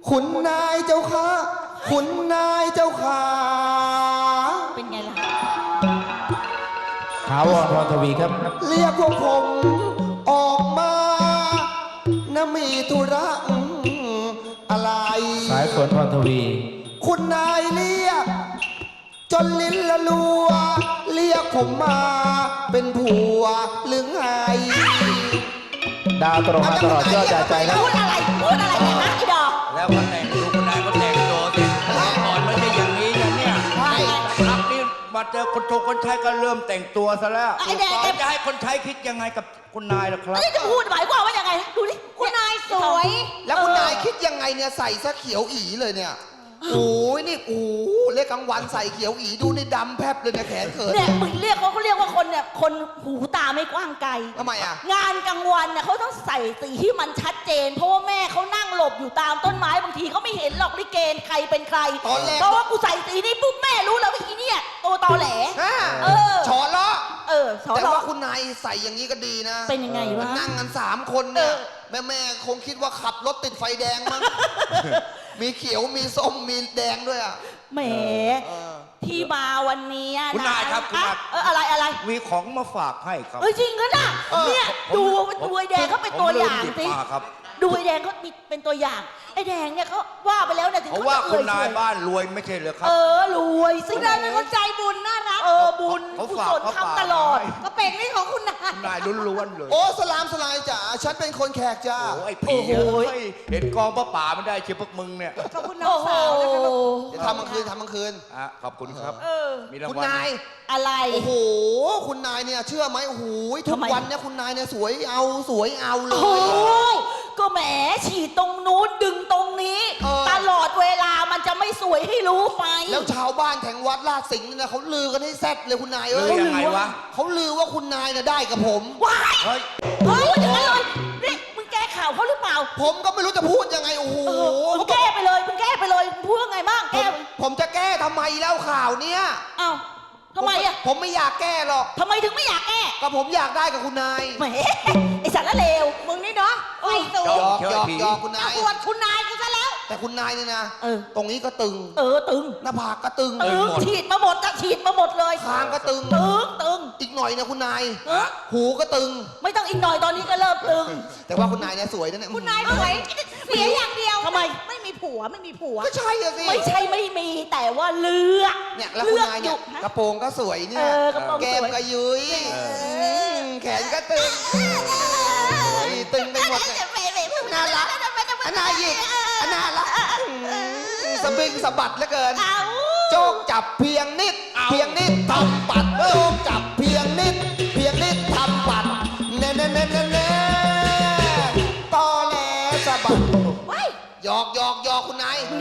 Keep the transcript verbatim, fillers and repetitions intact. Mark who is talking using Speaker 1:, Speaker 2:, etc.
Speaker 1: คุณนายเจ้าค่ะคุณนายเจ้าค่ะ
Speaker 2: เป็นไงล่ะ
Speaker 3: ถาวรพรทวีครับ
Speaker 1: เรียกพวกผมออกมานะมีธุระอะไร
Speaker 3: สายฝนพรทวี
Speaker 1: คุณนายเรียกจนลิ้นละลัวเรียกผมมาเป็นผัวหรือไง
Speaker 3: ดาวตรงมาตลอดยอดใจใจครับ
Speaker 2: พูดอะไรพูดอะไรเนี่ยฮะไอ้ดอก
Speaker 4: แล้วก็แต่งดูคนใดก็แต่งตัวสิก่อนไม่ใช่อย่างนี้นะเนี่ยครับนี่มาเจอคนชงคนใช้ก็เริ่มแต่งตัวซะแล้วจะให้คนใช้คิดยังไงกับคุณนายล่ะครับ
Speaker 2: นี่จะพูดหมายความว่ายังไงดูดิคุณนายสวย
Speaker 1: แล้วคุณนายคิดยังไงเนี่ยใส่ซะเขียวอีเลยเนี่ยโอ้ยนี่โอ้เรียกกลางวันใส่เขียวอีดูนี่ดำแพบเลยเนี่ยแขนเขิน
Speaker 2: เนี่ยมึงเรียกเขาเขาเรียกว่าคนเนี่ยคนหูตาไม่กว้างไกล
Speaker 1: ทำไมอ่ะ
Speaker 2: งานกลางวันเนี่ยเขาต้องใส่สีที่มันชัดเจนเพราะว่าแม่เขานั่งหลบอยู่ตามต้นไม้บางทีเขาไม่เห็นหรอกลิเกใครเป็นใครเพราะว่ากูใส่สีนี้ปุ๊บแม่รู้แล้วว่าอีเนี่ยตัวตอแหล
Speaker 1: เออฉอล้อ
Speaker 2: เออ
Speaker 1: แต่ว่าคุณนายใส่อย่างนี้ก็ดีนะ
Speaker 2: เป็นยังไงวะ
Speaker 1: นั่งกันสามคนเนี่ยแม่แม่คงคิดว่าขับรถติดไฟแดงมั้งมีเขียวมีส้มมีแดงด้วยอ่ะ
Speaker 2: แหมที่มาวันนี้
Speaker 4: คุณนายครับคุณนาย
Speaker 2: เอออะไรอะไร
Speaker 4: มีของมาฝากให้ครับ
Speaker 2: เออจริงก็นะเนี่ยดูดูไอ้แดงเขาเป็นตัวอย่างสิดูไอ้แดงเขาเป็นตัวอย่างไอ้แดงเนี่ยเขาว่าไปแล้วเนี่ยถึง
Speaker 4: เขาว่าคุณนายบ้านรวยไม่ใช่เหรอครับ
Speaker 2: เออรวยสิคุณนายเป็นคนใจบุญน่ารักเออบุญกุศลทำตลอดก็เป็นนี่ของคุณนาย
Speaker 4: คุณนายล้วนๆเลย
Speaker 1: โอ้สลามสลายจ๋าฉันเป็นคนแขกจ้า
Speaker 4: โอ้ไอ้ผีเห็นกองป้าป่าไม่ได้เชียวพวกมึงเนี่ย
Speaker 2: ขอบคุณน้องสาว
Speaker 1: จะทำกลางคืนทำกลางคืน
Speaker 4: อ่ะขอบคุณครับ
Speaker 1: มีรางวัลคุณนาย
Speaker 2: อะไร
Speaker 1: โอ้โหคุณนายเนี่ยเชื่อไหมโอ้โหทุกวันเนี่ยคุณนายเนี่ยสวยเอาสวยเอาเลย
Speaker 2: ก็แหมฉีดตรงนู้นดึงตรงนี้ตลอดเวลามันจะไม่สวยให้รู้ไป
Speaker 1: แล้วชาวบ้านแถงวัดลาดสิงห์เนี่ยเขาลือกันให้แซ่ดเลยคุณนายเอ้ย
Speaker 4: ยังไงวะ
Speaker 1: เขาลือว่าคุณนายเนี่ยได้กับผม
Speaker 2: ว้ายเฮ้ยเฮ้ยอย่างนั้นเลยนี่มึงแก้ข่าวเขาหรือเปล่า
Speaker 1: ผมก็ไม่รู้จะพูดยังไงโอ้โห
Speaker 2: มึงแก้ไปเลยมึงแก้ไปเลยมึงพูดไงบ้างแก้
Speaker 1: ผมจะแก้ทำไมแล้วข่าวเนี้ย
Speaker 2: อ้าวทำไมอ่ะ
Speaker 1: ผมไม่อยากแก้หรอก
Speaker 2: ทำไมถึงไม่อยากแก้
Speaker 1: ก็ผมอยากได้กับคุณนาย
Speaker 2: แหมไอสัตว์ละเลวมึงนี่เนาะไอ้ตัวย
Speaker 1: อกยอกยอกคุณนาย
Speaker 2: ปวดคุณนายกูซะแล้ว
Speaker 1: แต่คุณนายนี่นะตรงนี้ก็ตึง
Speaker 2: เออตึง
Speaker 1: หน้าผากก็ตึง
Speaker 2: ตึงฉีดมาหมดจะฉีดมาหมดเลย
Speaker 1: คางก็ตึง
Speaker 2: ตึงตึง
Speaker 1: อีกหน่อยนะคุณนายหูก็ตึง
Speaker 2: ไม่ต้องอีกหน่อยตอนนี้ก็เริ่มตึง
Speaker 1: แต่ว่าคุณนายเนี่ยสวยนะเนี่ย
Speaker 2: คุณนายสวยเสียอย่างเดียวทำไมไม่มีผัวไม่มีผัว
Speaker 1: ก็ใช่สิ
Speaker 2: ไม่ใช่ไม่มีแต่ว่าเลือก
Speaker 1: เนี่ยแล้วคุณนายเนี่ยกระโปรงก็สวยเนี่ยแก้มก็ยุ้ยแขนก็ตึงตึงไปหมดน่ารักน่าหยิกน่ารักสบิงสะบัดเหลือเกินโจกจับเพียงนิดเพียงนิดทำปัดโจกจับเพียงนิดเพียงนิดทำปัดเน่เน่เน่เน่เน่ตอแหลสะบัดหยอกหยอกหยอกคุณนาย